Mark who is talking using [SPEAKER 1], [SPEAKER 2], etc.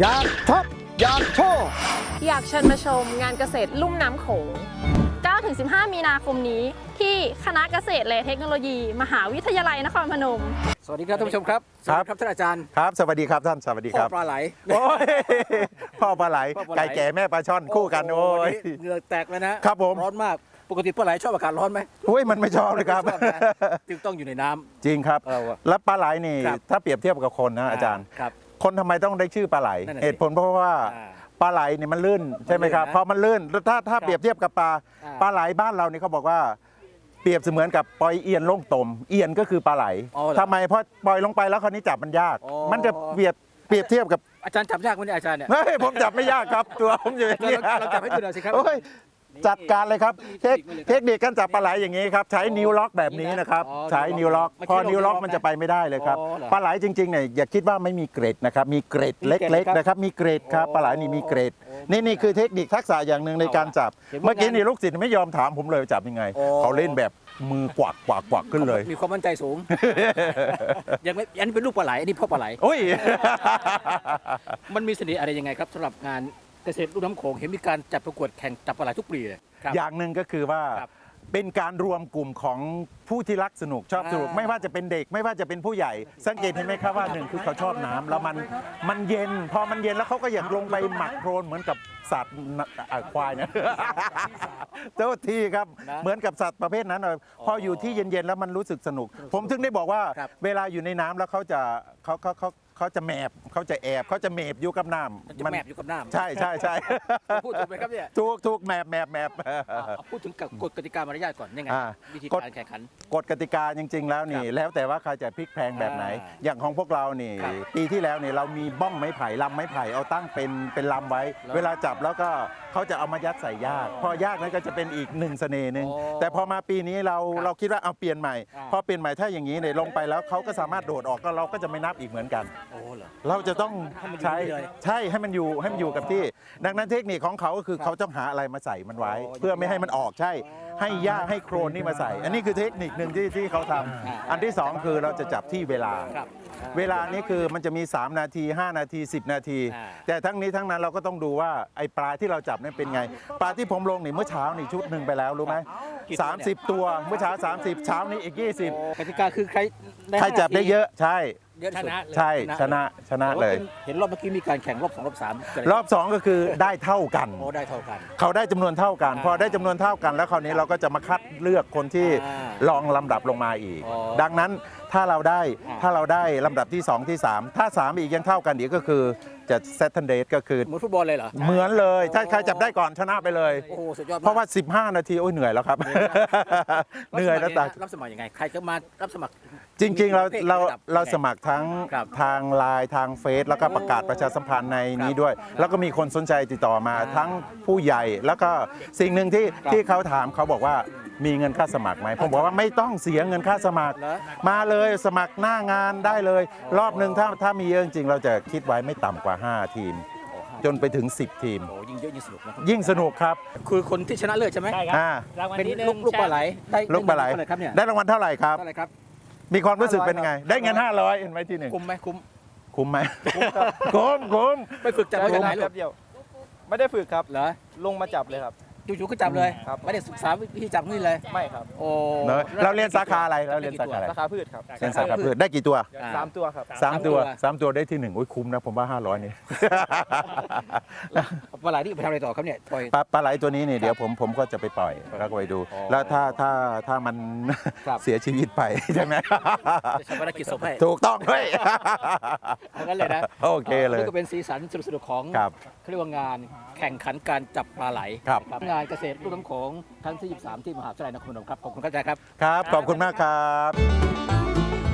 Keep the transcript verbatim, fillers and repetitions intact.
[SPEAKER 1] อยากท็อปอยากโชว์
[SPEAKER 2] อยากเชิญมาชมงานเกษตรลุ่มน้ำโขง เก้าถึงสิบห้า มีนาคมนี้ที่คณะเกษตรและเทคโนโลยี มหาวิทยาลัยนครพนม
[SPEAKER 1] สวัสดีครับท่านผู้ชมครับสวัสดีครับท่านอาจารย์
[SPEAKER 3] ครับสวัสดีครับท่านสวัสดี
[SPEAKER 1] พ่
[SPEAKER 3] ค
[SPEAKER 1] อ
[SPEAKER 3] รับ
[SPEAKER 1] ปลาไหล
[SPEAKER 3] โอ้ยพ่อปลาไหล
[SPEAKER 1] พ่อปลาไหล
[SPEAKER 3] ไก่แก่แม่ปลาช่อนคู่กันโอ้ย
[SPEAKER 1] โเหงื่อแตกเลยนะครับ
[SPEAKER 3] ผม
[SPEAKER 1] ร้อนมากปกติปลาไหลชอบอากาศร้อนไหม
[SPEAKER 3] โอ้ยมันไม่ชอบเลยครับ
[SPEAKER 1] ไม่ชอบนะจึงต้องอยู่ในน้ำ
[SPEAKER 3] จริงครับ
[SPEAKER 1] เออว่ะ
[SPEAKER 3] แล้วปลาไหลนี่
[SPEAKER 1] ครับ
[SPEAKER 3] ถ้าเปรียบเทียบกับคนนะอาจารย์
[SPEAKER 1] ครับ
[SPEAKER 3] คนทำไมต้องได้ชื่อปลาไหล
[SPEAKER 1] นั่นน่ะสิ
[SPEAKER 3] เหตุผลเพราะว่า
[SPEAKER 1] อ่า
[SPEAKER 3] ปลาไหลนี่มันลื่นใช่ไหมครับ
[SPEAKER 1] มันลื่นนะ
[SPEAKER 3] พอมันลื่นแล้วถ้าถ้า
[SPEAKER 1] ครับ
[SPEAKER 3] เปรียบเทียบกับปลา
[SPEAKER 1] อ่า
[SPEAKER 3] ปลาไหลบ้านเรานี่เขาบอกว่า เปรียบเสมือนกับปล่อยเอียนลงตมเอียนก็คือปลาไหล
[SPEAKER 1] อ๋อเหรอ
[SPEAKER 3] ทำไมเพราะปล่อยลงไปแล้วคราวนี้จับมันยาก
[SPEAKER 1] อ๋อ
[SPEAKER 3] มันจะเปรียบเปรียบเทียบกับ
[SPEAKER 1] อาจารย์จับยากไหมเนี่ยอาจารย์เนี่ย
[SPEAKER 3] เฮ้ยผมจับไม่ยากครับ ตัวผมอยู่อย่างนี้
[SPEAKER 1] เราเราจับให้ดูหน่อยสิครับ
[SPEAKER 3] โอ้ยจัดการเลยครับ
[SPEAKER 1] มี
[SPEAKER 3] เทค
[SPEAKER 1] เทคนิคไหมเลยครับ
[SPEAKER 3] เทคนิคการจับปลาไหลอย่างนี้ครับใช้นิ้วล็อกแบบนี้นะครับ
[SPEAKER 1] อ๋อ
[SPEAKER 3] ใช้นิ้วล็อก
[SPEAKER 1] ไม่ใช่
[SPEAKER 3] พอนิ้วล็อก
[SPEAKER 1] ล็อกนะ
[SPEAKER 3] มันจะไปไม่ได้เลยครับ
[SPEAKER 1] อ๋อเหรอ
[SPEAKER 3] ปลาไหลจริงๆเนี่ยอย่าคิดว่าไม่มีเกรดนะครับมีเกรด
[SPEAKER 1] มีเกรด
[SPEAKER 3] เล็ก
[SPEAKER 1] ครับ
[SPEAKER 3] ๆนะครับมีเกรดครับ
[SPEAKER 1] โอ้
[SPEAKER 3] ปลาไหลนี่มีเกรด
[SPEAKER 1] โอ้
[SPEAKER 3] นี่นี่คือเทคนิคทักษะอย่างหนึ่งในการจับ
[SPEAKER 1] เห็นว่า
[SPEAKER 3] เมื่อกี้
[SPEAKER 1] งาน
[SPEAKER 3] นี่ลูกศิษย์ไม่ยอมถามผมเลยจับยังไง
[SPEAKER 1] โอ้
[SPEAKER 3] เขาเล่นแบบมือกวักกวักกวักขึ้นเลย
[SPEAKER 1] มีความมั่นใจสูง ยังไม่อันนี้เป็นลูกปลาไหลอันนี้พ่อปลาไหล
[SPEAKER 3] โอ้ย
[SPEAKER 1] มันมีเสน่ห์อะไรยังไงครับสำหรับงานเกษตรลุ่มน้ำโขงเห็นมีการจัดประกวดแข่งจับปลาไหลทุกปีเลยครับ
[SPEAKER 3] อย่างหนึ่งก็คือว่า
[SPEAKER 1] ครับ
[SPEAKER 3] เป็นการรวมกลุ่มของผู้ที่รักสนุกชอบสนุก
[SPEAKER 1] อ่า
[SPEAKER 3] ไม่ว่าจะเป็นเด็กไม่ว่าจะเป็นผู้ใหญ่ สังเกตเห็นไหมครับว่าหนึ่งคือเขาชอบน้ำแล้วมันมันเย็น พอมันเย็นแล้วเขาก็อยากลงไปหมักโครนเหมือนกับสัตว์น่ะอ่ะควายนะ เจ้าที่ครับ
[SPEAKER 1] นะ
[SPEAKER 3] เหมือนกับสัตว์ประเภทนั้นเลยพออยู่ที่เย็นๆแล้วมันรู้สึกสนุก ผมถึงได้บอกว่า
[SPEAKER 1] ครับ
[SPEAKER 3] เวลาอยู่ในน้ำแล้วเขาจะเขาเขาเขาเขาจะแมบเขาจะแอบเขาจะเมบอยู่กับน้ำ
[SPEAKER 1] มันจะแมบอยู่กับน้ำ
[SPEAKER 3] ใช่ใช่ใช่
[SPEAKER 1] พูดถูกไหมครับเนี่ย
[SPEAKER 3] ถูกถูกแมบแมบแมบ
[SPEAKER 1] อ่าเอาพูดถึงกฎกติกามารยาทก่อนยังไง
[SPEAKER 3] อ่า
[SPEAKER 1] วิธี
[SPEAKER 3] กฎ
[SPEAKER 1] การแข่งขัน
[SPEAKER 3] กฎกติกาจริง ๆ แล้วนี่
[SPEAKER 1] ครับ
[SPEAKER 3] แล้วแต่ว่าใครจะพลิกแพลงแบบไหน
[SPEAKER 1] อ่า
[SPEAKER 3] อย่างของพวกเรานี่
[SPEAKER 1] ครับ
[SPEAKER 3] ปีที่แล้วเนี่ยเรามีบ้องไม้ไผ่ลำไม้ไผ่เอาตั้งเป็นเป็นลำไว้
[SPEAKER 1] แล้ว
[SPEAKER 3] เวลาจับแล้วก็เขาจะเอามายัดใส่ยากพอยากนั้นก็จะเป็นอีกหนึ่งเสน่ห์หนึ่ง
[SPEAKER 1] อ๋อ
[SPEAKER 3] แต่พอมาปีนี้เรา
[SPEAKER 1] ครับ
[SPEAKER 3] เราคิดว่าเอาเปลี่ยนใหม่
[SPEAKER 1] อ่า
[SPEAKER 3] พอเปลี่ยนใหม่ถ้าอย่างนี้เนี่ยลงไปแล้วเขาก็สามารถโดดออกก็เราก็จะไม่นับอีกเหมือนกัน
[SPEAKER 1] โอ้เหรอ
[SPEAKER 3] เราจะต้อง
[SPEAKER 1] ให้มันอยู่
[SPEAKER 3] ใช้
[SPEAKER 1] นี่เลย
[SPEAKER 3] ใช่ให้มันอยู่ให้มันอยู่กับที่ ดังนั้นเทคนิคของเขาก็คือ
[SPEAKER 1] ครับ
[SPEAKER 3] เขาต้องหาอะไรมาใส่มันไว้
[SPEAKER 1] อ๋อ
[SPEAKER 3] เพื่อไม่ให้มันออกใช่ ให้หญ้าให้โครนนี่มาใส่ อันนี้คือเทคนิคหนึ่งที่ที่เขาทำ
[SPEAKER 1] อ่า
[SPEAKER 3] อันที่สองคือเราจะจับที่เวลา
[SPEAKER 1] ครับ
[SPEAKER 3] เวลานี้คือมันจะมี สาม นาที ห้า นาที สิบ นาที
[SPEAKER 1] อ่า
[SPEAKER 3] แต่ทั้งนี้ทั้งนั้นเราก็ต้องดูว่าไอ้ปลาที่เราจับนั้นเป็นไง ปลาที่ผมลงนี่เมื่อเช้านี่ชุดหนึ่งไปแล้วรู้ไหม
[SPEAKER 1] กี่ตัวเนี่ย
[SPEAKER 3] สามสิบ ตัวเมื่อเช้า สามสิบ เช้านี้อีก ยี่สิบ
[SPEAKER 1] โอ้กติกาคือใคร
[SPEAKER 3] ใครจับได้เยอะใช่
[SPEAKER 1] เยอะที่สุด
[SPEAKER 3] ใช่ชนะชนะ
[SPEAKER 1] แต่ว่า
[SPEAKER 3] เลย
[SPEAKER 1] เห็นรอบเมื่อกี้มีการแข่งรอบสองรอบสาม
[SPEAKER 3] รอบสองก็คือได้เท่ากัน
[SPEAKER 1] โอ้ได้เท่ากัน
[SPEAKER 3] เขาได้จำนวนเท่ากัน
[SPEAKER 1] อ่า
[SPEAKER 3] พอได้จำนวนเท่ากัน แล้วคราวนี้เราก็จะมาคัดเลือกคนที่
[SPEAKER 1] อ่า
[SPEAKER 3] ลองลำดับลงมาอีก
[SPEAKER 1] อ๋อ
[SPEAKER 3] ดังนั้นถ้าเราได้
[SPEAKER 1] อ่า
[SPEAKER 3] ถ้าเราได้ลำดับที่สองที่สามถ้าสามอีกยังเท่ากันอีกก็คือจะเซตเทนเดทก็คือ
[SPEAKER 1] เหมือนฟุตบอลเลยเหรอ
[SPEAKER 3] เหมือนเลย ถ้าใครจับได้ก่อนชนะไปเลย
[SPEAKER 1] โอ้โหสุดยอดมก
[SPEAKER 3] เพราะว่า สิบห้า นาทีโอ้ยเหนื่อยแล้วครับ เหนื่อยแล้ว
[SPEAKER 1] รั
[SPEAKER 3] ตา
[SPEAKER 1] บสมัครยังไงฮะรับสมัครยังไง ใครจะมารับสมัคร
[SPEAKER 3] จริงๆ เรา
[SPEAKER 1] มีประภท
[SPEAKER 3] เรา
[SPEAKER 1] ระดับ
[SPEAKER 3] เรา
[SPEAKER 1] ยังไง
[SPEAKER 3] สมัครทั้ง
[SPEAKER 1] ครับ
[SPEAKER 3] ทางไลน์ทางเฟซแล้วก็ประกาศประชาสัมพันธ์ในนี้ด้วย แล้วก็มีคนสนใจติดต่อมา
[SPEAKER 1] อ่า
[SPEAKER 3] ทั้งผู้ใหญ่แล้วก็สิ่งหนึ่งที่
[SPEAKER 1] ครับ
[SPEAKER 3] ที่เขาถามเขาบอกว่ามีเงินค่าสมัครไหมผมบอกว่าไม่ต้องเสียเงินค่าสมัคร
[SPEAKER 1] เหรอ
[SPEAKER 3] มาเลยสมัครหน้างานได้เลย รอบหนึ่งถ้าถ้ามีเยอะจริงๆเราจะคิดไว้ไม่ต่ำกว่า ห้า ทีม จนไปถึง สิบ ทีม
[SPEAKER 1] โอ้ยิ่งเยอะยิ่งสนุกนะ
[SPEAKER 3] ยิ่งสนุกครับ
[SPEAKER 1] คือคนที่ชนะเลิศใช่ไหม
[SPEAKER 4] ใช่ครับ
[SPEAKER 3] อ่าร
[SPEAKER 4] างวัล
[SPEAKER 1] เป็น
[SPEAKER 4] ที่หนึ่ง
[SPEAKER 1] ลูกลูกปลาไหลได้
[SPEAKER 3] ลูกปลาไหล
[SPEAKER 1] เท่าไหร่ครับเนี่ย
[SPEAKER 3] ได้รางวัลเท่าไหร่ครับ
[SPEAKER 1] เท่าไหร่ครับ
[SPEAKER 3] มีความรู้สึกเป็นยังไง ได้เงิน ห้าร้อยเห็นไหมที่หนึ่ง
[SPEAKER 1] คุ้มไหมคุ้ม
[SPEAKER 3] คุ้มไหมคุ้มคุ้ม
[SPEAKER 1] ไปฝึกจับ
[SPEAKER 4] ใช้
[SPEAKER 1] มา
[SPEAKER 4] เว
[SPEAKER 1] จากไห
[SPEAKER 4] ลาน
[SPEAKER 1] ลู
[SPEAKER 4] แป๊
[SPEAKER 1] ก
[SPEAKER 4] บเดียว ไม่ได้ฝึกครับ
[SPEAKER 1] เหรอ
[SPEAKER 4] ลงมาจับเลยครับ
[SPEAKER 1] จู่ๆก็จับเลย
[SPEAKER 4] ครับ
[SPEAKER 1] ไม่ได้ศึกษาวิธีจับนี่เลย
[SPEAKER 4] ไม่ครับ
[SPEAKER 1] โอ้
[SPEAKER 3] เนอะเราเรียนสาขาอะไรเราเรียนสาขาอะไร
[SPEAKER 4] ราคาพืชครับ
[SPEAKER 3] เรียนสาขาพืชได้กี่ตัว
[SPEAKER 1] อ่า
[SPEAKER 4] สามตัวครับ
[SPEAKER 3] สามตัวสามตัวได้ที่หนึ่งโอ้ยคุ้มนะผมว่าห้าร้อยนี่
[SPEAKER 1] ปลาไหลนี่ไปทำอะไรต่อครับเนี่ยปล่อย
[SPEAKER 3] ปลาปลาไหลตัวนี้เนี่ยเดี๋ยวผมผมก็จะไปปล่อยแล้วก็ไปดู
[SPEAKER 1] อ๋อ
[SPEAKER 3] แล้วถ้าถ้าถ้ามัน
[SPEAKER 1] ครับ
[SPEAKER 3] เสียชีวิตไป ใช่ไหม
[SPEAKER 1] จะชาปนกิจศพให้
[SPEAKER 3] ถูกต้องเฮ้ย
[SPEAKER 1] เอางั้นเลยนะ
[SPEAKER 3] โอเคเลย
[SPEAKER 1] นี่ก็เป็นสีสันสนุกๆของ
[SPEAKER 3] ครับ
[SPEAKER 1] เขาเรียกว่างานแข่งขันการจับปลาไหล
[SPEAKER 3] ครับ
[SPEAKER 1] นะงานเกษตรรุ่มน้ำโขงครั้งที่ยี่สิบสามที่มหาวิทยาลัยนครพนมครับขอบคุณครับอาจารย์ครับ
[SPEAKER 3] ครับ ขอบคุณมากครับ